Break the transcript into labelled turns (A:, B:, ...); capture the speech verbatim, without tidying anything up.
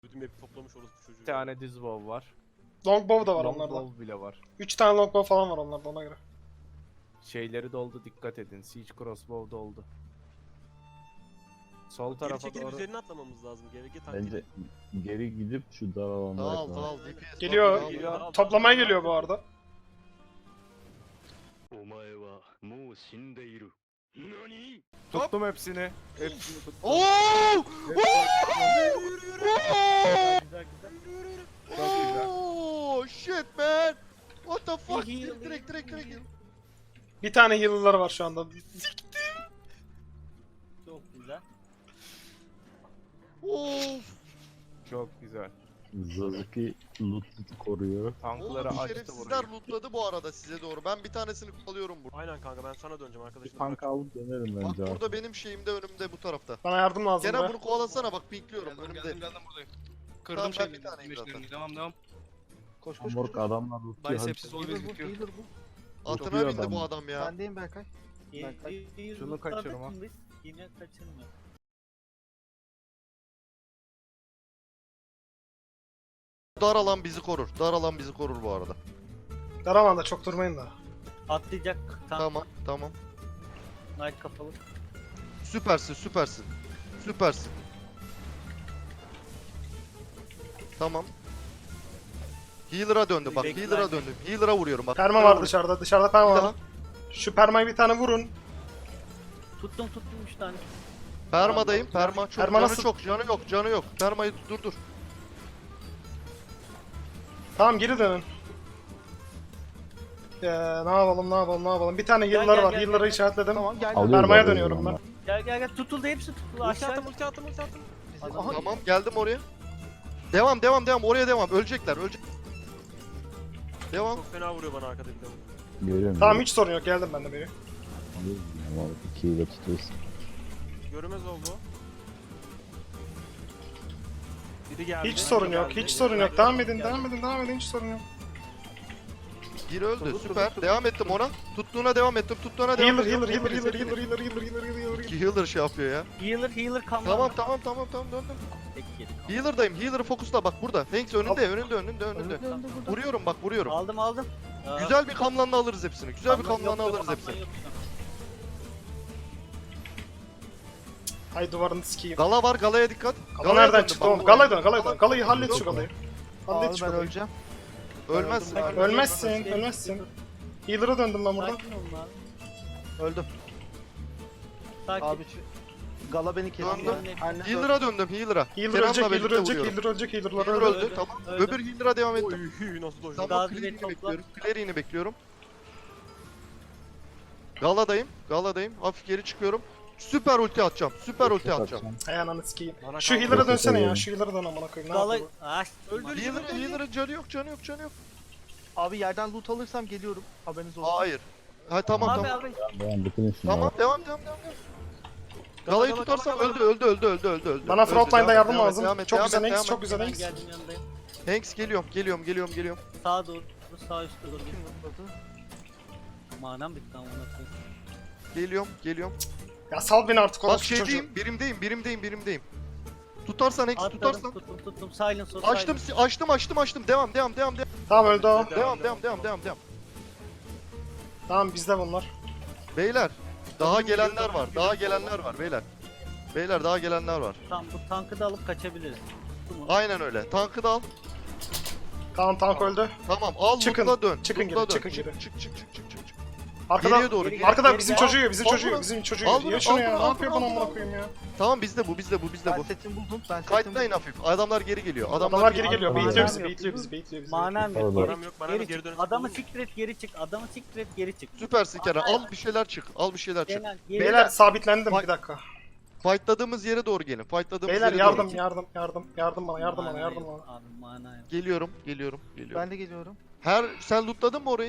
A: Bütün map'i toplamış orası çocuğu.
B: Bir tane düz bow var.
C: Longbow da var
B: Long
C: onlarda.
B: bow bile var.
C: üç tane longbow falan var onlarda ona göre.
B: Şeyleri doldu, dikkat edin. Siege crossbow doldu. Sol
A: Geri
B: tarafa
A: çekilip
B: doğru.
A: üzerine atlamamız lazım. G V G taktiği.
D: Bence geri gidip şu dar alanda
E: Dağıl
D: yapalım.
E: dağıl D P S.
C: Geliyor.
E: bak, dağıl.
A: Geliyor.
C: Toplamaya geliyor bu arada.
F: お前はもう死んでいる。何
B: Tuttum hepsini. Hepsini tuttum.
E: Oo!
B: Güzel güzel. Çok güzel.
E: Oh shit man. What the fuck? Direkt direkt direkt direkt.
C: Bir tane healer'ları var şu anda.
B: Çok güzel.
E: Of.
B: Çok güzel.
D: Zazuki loot koruyor.
B: Tankları
E: Oğlum
B: açtı
E: şerefsizler
B: burayı.
E: lootladı bu arada size doğru. Ben bir tanesini alıyorum burada.
A: Aynen kanka ben sana döneceğim
D: Bir
A: arkadaşım.
D: tank alıp dönerim
E: Bak
D: bence abi.
E: burada benim şeyimde önümde bu tarafta.
C: Bana yardım lazım
E: Gene
C: be.
E: bunu kovalasana bak pinkliyorum önümde.
G: Geldim geldim buradayım.
E: Tamam,
G: Kırdım
E: ben
G: şeyini.
E: bir taneyim zaten.
G: meşlerini. Devam devam.
H: Koş koş koş.
D: Morg adamlar lootluyor.
G: Bicepsiz ol
H: Healer bu,
G: gözüküyor.
H: healer bu.
E: Atına
D: Çok iyi
E: bindi
D: adam.
E: bu adam ya.
H: Bendeyim Berkay. Berkay.
B: Şunu kaçırma.
I: Yine kaçırma.
E: Dar alan bizi korur. Dar alan bizi korur bu arada.
C: Daramanda çok durmayın da.
I: Atlayacak. Tam
E: Tamam tamam.
I: Knight kapalı.
E: Süpersin süpersin. Süpersin. Tamam. Healer'a döndüm bak.
I: Bekle,
E: Healer'a
I: bekle.
E: döndüm. Healer'a vuruyorum bak.
C: Perma
E: Healer'a
C: var
E: vuruyorum.
C: dışarıda. Dışarıda perma
E: Bir
C: var.
E: daha.
C: Şu permayı bir tane vurun.
I: Tuttum tuttum üç tane.
E: Permadayım. Perma çok.
C: Perma
E: canı
C: nasıl?
E: çok. Canı yok. Canı yok. Permayı dur dur.
C: Tamam geri dönün. Ee, ne yapalım ne yapalım ne yapalım. Bir tane
I: Gel,
C: healer'ları
I: gel,
C: var.
I: gel,
C: Healer'ları
I: gel.
C: işaretledim.
H: Tamam gel.
D: Alıyoruz
C: Permaya
D: abi
C: dönüyorum
D: ama.
C: ben.
I: Gel gel gel tutuldu hepsi tutuldu
A: Ulti
I: aşağı.
A: attım ulti attım ulti attım.
H: Aha.
E: Tamam geldim oraya. Devam devam devam. Oraya devam. Ölecekler. Ölecek. Devam.
A: Çok fena vuruyor bana arkada bir de.
D: Görüyorum.
C: Tamam hiç sorun yok. Geldim ben de beri.
D: Ama ikiyi de tutuyoruz.
A: Görünmez oldu. Biri geldi.
C: Hiç
A: biri
C: sorun yok.
A: geldi,
C: Hiç
A: biri
C: sorun yok.
A: geldi.
C: Devam edin devam edin devam edin. Hiç sorun yok.
E: Bir öldü. Süper. Devam ettim ona. Tuttuğuna devam ettim. Tuttuğuna devam
C: Healer
E: ediyorum.
C: healer healer
E: Hepiniz,
C: healer
E: hepiniz.
C: healer healer healer healer healer.
E: İki healer şey yapıyor ya.
I: Healer healer kamera.
E: Tamam tamam tamam tamam döndüm.
I: Tek yedi kamera.
E: Healer'dayım. Healer'ı fokusla bak burada. Hanks önünde önünde önünde önünde.
H: Önünde önünde burada.
E: Vuruyorum bak vuruyorum.
I: Aldım aldım. Aa,
E: Güzel bir kamlanla alırız hepsini. Güzel bir
I: kamera yok,
E: kamlanla
I: yok,
E: alırız
I: kamera
E: hepsini.
I: yok.
C: Ay duvarını sikeyim.
E: Gala var. Galaya dikkat.
C: Gala
E: Galaya
C: nereden
E: döndüm,
C: çıktı
E: bak,
C: oğlum?
E: bu-
C: Galaya dön galaya dön. Galayı hallet şu
E: Yok.
C: galayı. Hallet
H: Abi
C: şu
H: ben
C: galayı.
H: öleceğim.
E: Ölmezsin.
I: Öldüm,
E: ölmezsin.
C: Ölmezsin ölmezsin. Healer'a döndüm ben buradan.
I: Sakin olun abi.
H: Öldüm.
I: Sakin.
H: Abi şu Gala beni kesti.
E: Döndüm.
H: Aynen.
E: Healer'a döndüm. Healer'a.
C: Healer
E: Kenan'la
C: ölecek, healer
E: birlikte
C: ölecek,
E: vuruyorum.
C: healer ölecek, healer'lar
E: Healer
C: öldü.
E: öldü.
I: Öldü,
E: Tamam.
I: öldü.
E: Öbür healer'a devam ettim.
A: Oy nasıl dojdu.
E: Tamam.
I: Gazi
E: Clearing'i
I: topla.
E: bekliyorum. Clearing'i bekliyorum. Gala'dayım. Gala'dayım. Hafif geri çıkıyorum. Süper ulti atacağım. Süper ulti atacağım.
C: Ay ananı sikeyim.
A: Bana
C: Şu
A: kaldı.
C: healer'a dönsene ya,
D: Yok,
C: şu healer'a dön amına koyayım. Ne
I: Gala...
C: yapıyor bu?
I: Ah,
A: Öldü.
E: Healer, healer'ın canı yok, canı yok, canı yok.
H: Abi yerden loot alırsam geliyorum. Haberiniz olsun.
E: Hayır. Ha tamam
I: abi
E: tamam.
I: abi.
D: Ben bitirin şunu.
E: Tamam
D: abi.
E: devam devam devam. devam.
A: Gala,
E: Galayı
A: gala,
E: tutarsam
A: gala,
E: öldü
A: gala.
E: öldü öldü öldü öldü öldü.
C: Bana
E: Öldü.
C: frontline'da
E: Devam et,
C: yardım
E: devam et,
C: lazım.
E: devam et,
C: Çok
E: devam
C: güzel
E: et,
C: Hanks,
E: devam
C: çok güzel
I: Ben
C: Hanks.
I: geldim yanındayım.
E: et. Hanks geliyorum geliyorum geliyorum geliyorum.
I: Sağa doğru. Sağ üstte doğru. Manam bitti ama nasıl?
E: Geliyorum geliyorum.
C: Ya sal beni artık
E: Bak
C: orası çocuğu.
E: şeydeyim birimdeyim birimdeyim birimdeyim. Tutarsan Hanks
I: Atladım
E: tutarsan.
I: tuttum tuttum. Silence o
E: Açtım
I: silence.
E: açtım açtım açtım. Devam devam devam devam.
C: Tamam öldü o.
E: Devam devam devam devam devam.
C: Tamam bizde bunlar.
E: Beyler daha gelenler var. Daha gelenler var beyler. Beyler daha gelenler var.
I: Tamam bu tankı da alıp kaçabiliriz. Tuttum onu.
E: Aynen öyle. Tankı da al.
C: Tamam tank öldü.
E: Tamam al
C: Çıkın,
E: lootla dön.
C: çıkın
E: lootla
C: geri,
E: dön.
C: çıkın
E: çık,
C: geri.
E: çık çık çık çık çık çık.
C: Arkada,
E: Geriye doğru.
I: geri-
C: arkada
I: geri-
C: bizim
I: geri-
C: çocuğu yiyor, bizim
E: Al
C: çocuğu
E: bunu.
C: yiyor, bizim çocuğu
E: Al
C: yiyor.
E: bunu,
C: Ye şunu
E: al
C: ya,
E: bunu,
C: ne
E: al
C: yapıyor
E: bunu,
C: bana
E: al
C: amına
E: bunu.
C: koyayım ya.
E: Tamam bizde bu bizde bu bizde
H: Ben
E: bu.
H: setimi buldum. Ben setimi
E: Kayıtlayın
H: buldum.
E: hafif. Adamlar geri geliyor. Adamlar,
C: Adamlar geri geliyor,
D: Tamam.
C: beyitliyor bizi,
H: Tamam.
C: beyitliyor bizi, beyitliyor bizi.
I: Manam yok.
D: Pardon.
I: Geri,
A: Param yok, bana
I: geri
A: bir geri
I: çık.
A: dönüş
I: Adamı
A: yapalım.
I: siktir et geri çık. Adamı siktir et geri çık.
E: Süpersin Kenan. Al bir şeyler çık. Al bir şeyler çık.
I: Genel, geri
C: Beyler sabitlendim bir dakika.
E: Fightladığımız yere doğru gelin. Fightladığımız
C: Beyler
E: yere
C: yardım,
E: doğru.
C: yardım, yardım, yardım bana, yardım bana,
I: Mana
C: yardım
I: yok
C: bana.
I: Abi mana yok.
E: Geliyorum, geliyorum, geliyorum.
H: Ben de geliyorum.
E: Her sen lootladın mı orayı?